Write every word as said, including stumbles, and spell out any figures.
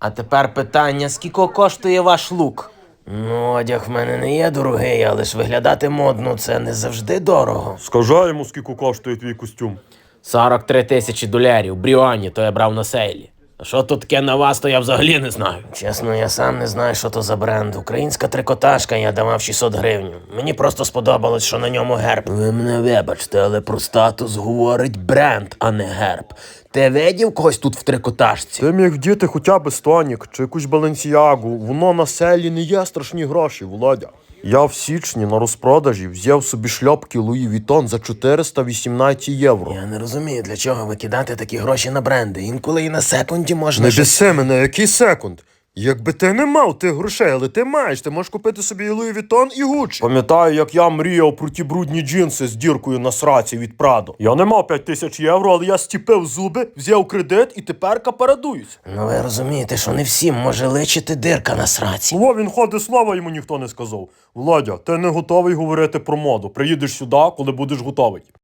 А тепер питання, скільки коштує ваш лук? Ну, одяг в мене не є дорогий, але ж виглядати модно – це не завжди дорого. Скажи йому, скільки коштує твій костюм. сорок три тисячі долярів, Бріоні, то я брав на сейлі. А що тут таке на вас, то я взагалі не знаю. Чесно, я сам не знаю, що то за бренд. Українська трикотажка, я давав шістсот гривень. Мені просто сподобалось, що на ньому герб. Ви мене вибачте, але про статус говорить бренд, а не герб. Ти видів когось тут в трикотажці? Ти міг вдіти хоча б Стонік чи якусь Баленсіагу. Воно на селі не є страшні гроші, Володя. Я в січні на розпродажі взяв собі шльопки Луї Вітон за чотириста вісімнадцять євро. Я не розумію, для чого викидати такі гроші на бренди. Інколи і на секунді можна... Не щось- біси мене, який секунд? Якби ти не мав тих грошей, але ти маєш, ти можеш купити собі і Луї Вітон, і Гуччі. Пам'ятаю, як я мріяв про ті брудні джинси з діркою на сраці від Прадо. Я не мав п'ять тисяч євро, але я стіпив зуби, взяв кредит і теперка парадуюсь. Ну ви розумієте, що не всім може личити дирка на сраці. Во, він ходить, слова йому ніхто не сказав. Володя, ти не готовий говорити про моду. Приїдеш сюди, коли будеш готовий.